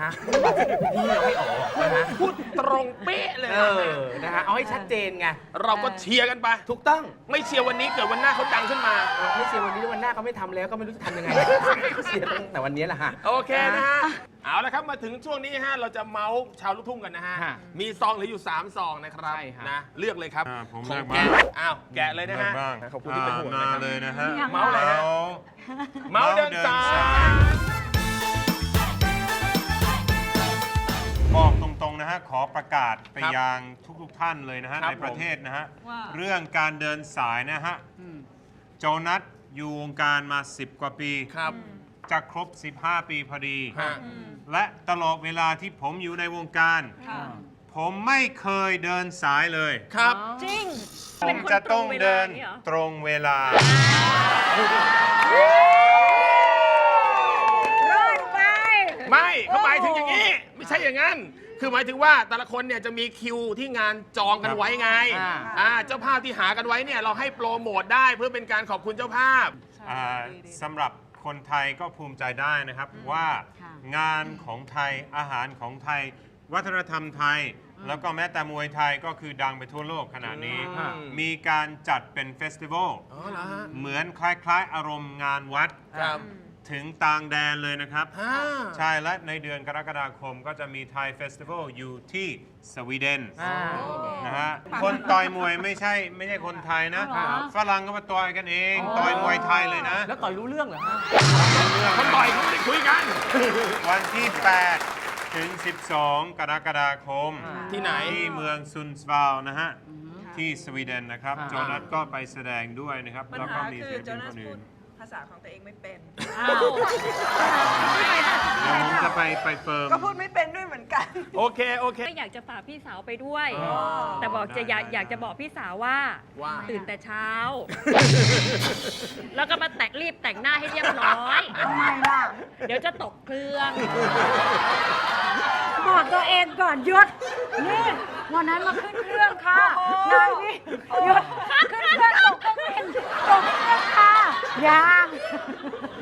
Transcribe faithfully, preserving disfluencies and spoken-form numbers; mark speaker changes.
Speaker 1: ะพี่ยังไม่ออกนะฮะ
Speaker 2: พูดตรงเป๊ะเลย
Speaker 1: เออนะฮะเอาให้ชัดเจนไง
Speaker 2: เราก็เชียร์กันไป
Speaker 1: ถูกต้อง
Speaker 2: ไม่เชียร์วันนี้เกิดวันหน้าเขาดังขึ้นมา
Speaker 1: ไม่เชียร์วันนี้วันหน้าก็ไม่ทำแล้วก็ไม่รู้จะทำยังไงเชียร์ตั้งแต่วันนี้แหละฮะ
Speaker 2: โอเคนะฮะ เอาละครับมาถึงช่วงนี้ฮะเราจะเมาส์ชาวลูกทุ่งกันนะฮะ
Speaker 1: ฮะ
Speaker 2: มีซองเหลืออยู่สามซองนะครับ
Speaker 1: ใช่ฮะ
Speaker 2: นะเลือกเลยครับ
Speaker 3: อ่าผม
Speaker 2: ขอ
Speaker 3: เลื
Speaker 2: ง
Speaker 3: อก
Speaker 2: แกะ
Speaker 3: บ้าง
Speaker 2: อ้าวแกะเลยนะฮะ
Speaker 3: บ้าง
Speaker 2: ขอบคุณที่เป็นห่วง
Speaker 3: มา
Speaker 2: นะครับ
Speaker 3: เลยนะฮะ
Speaker 2: เมาส์อะไรฮะ
Speaker 3: เมาส์
Speaker 2: เมาส์เดินสาย
Speaker 3: บอกตรงๆนะฮะขอประกาศไป
Speaker 2: ครับ
Speaker 3: ยังทุกๆท่านเลยนะฮะ
Speaker 2: ครับ
Speaker 3: ในประเทศนะฮะ
Speaker 4: ว่า
Speaker 3: เรื่องการเดินสายนะฮะโจนัสอยู่วงการมา สิบ กว่าปี
Speaker 2: ครับ
Speaker 3: จะครบ สิบห้า ปีพอดี
Speaker 2: ฮะ
Speaker 3: และตลอดเวลาที่ผมอยู่ในวงการ
Speaker 4: ค่ะ
Speaker 3: ผมไม่เคยเดินสายเลย
Speaker 2: ครับ
Speaker 4: จริง
Speaker 3: ผมจะต้องเดินตรงเวลา
Speaker 4: รอดไป
Speaker 2: ไม่เขาหมายถึงอย่างนี้ ไม่ใช่อย่างนั้น คือหมายถึงว่าแต่ละคนเนี่ยจะมีคิวที่งานจองกันไว้ไง
Speaker 1: อ่า
Speaker 2: อ่าเจ้าภาพที่หากันไว้เนี่ยเราให้โปรโมทได้เพื่อเป็นการขอบคุณเจ้าภาพ
Speaker 3: อ่าสำหรับคนไทยก็ภูมิใจได้นะครับว่า
Speaker 4: ค่ะ
Speaker 3: งานของไทยอาหารของไทย วัฒนธรรมไทย แล้วก็แม้แต่มวยไทยก็คือดังไปทั่วโลกขนาดนี้
Speaker 2: อืม
Speaker 3: มีการจัดเป็นเฟสติวัล
Speaker 2: อ๋อเหรอฮะ
Speaker 3: เหมือนคล้ายๆ อารมณ์งานวัด
Speaker 2: ครับ
Speaker 3: ถึงต่างแดนเลยนะครับ
Speaker 2: อ่า
Speaker 3: ใช่และในเดือนกรกฎาคมก็จะมีไทยเฟสติวัลอยู่ที่สวีเดน
Speaker 1: อ่า
Speaker 3: นะฮะคนต่อยมวยไม่ใช่ไม่ใช่คนไทยนะ
Speaker 4: อ๋อเหรอ
Speaker 3: ฝรั่งก็มาต่อยกันเอง ต่อยมวยไทยเลยนะ
Speaker 1: แล้วต่อยรู้เรื่องเหรอฮะ
Speaker 2: เขาต่อยเขาไม่ได้คุยกัน
Speaker 3: วันที่ แปด ถึง สิบสอง กรกฎาคม
Speaker 1: อ่า
Speaker 2: ที่ไหน
Speaker 3: ที่เมืองซุนสวาลนะฮะ ที่สวีเดนนะครับ
Speaker 1: อ่า
Speaker 3: โจนัสก็ไปแสดงด้วยนะครับ
Speaker 5: ปัญ
Speaker 3: แล้วก็
Speaker 5: หา
Speaker 3: มี
Speaker 5: คื
Speaker 3: ศิ
Speaker 5: อ
Speaker 3: ล
Speaker 5: โจ
Speaker 3: ปิน
Speaker 5: นา
Speaker 3: ค
Speaker 5: ส
Speaker 3: น
Speaker 5: พู
Speaker 3: อื่
Speaker 5: ด
Speaker 3: น
Speaker 5: ภาษาของตัวเองไม่เป็น
Speaker 4: อ้าว
Speaker 3: เดี๋ยวผมจะไปไปเฟิร์ม
Speaker 5: ก็พูดไม่เป็นด้วยเหมือนกัน
Speaker 2: โอเค โอเค
Speaker 6: ก็อยากจะฝากพี่สาวไปด้วย
Speaker 3: อ๋อ
Speaker 6: แต่บอกจะอยาก
Speaker 3: ได้
Speaker 6: อยากจะบอกพี่สาวว่า
Speaker 2: ว่า
Speaker 6: ตื่นแต่เช้า แล้วก็มาแต่งรีบแต่งหน้าให้เรียบร้อย
Speaker 4: ทำไมล่ะ
Speaker 6: เดี๋ยวจะตกเครื่อง
Speaker 4: บอกตัวเองก่อนหยุด นี่ วันนั้นมาขึ้นเครื่องค่ะ นายนี่หยุด ขึ้นเครื่องตกเครื่องบินตกเครื่องค่ะยัง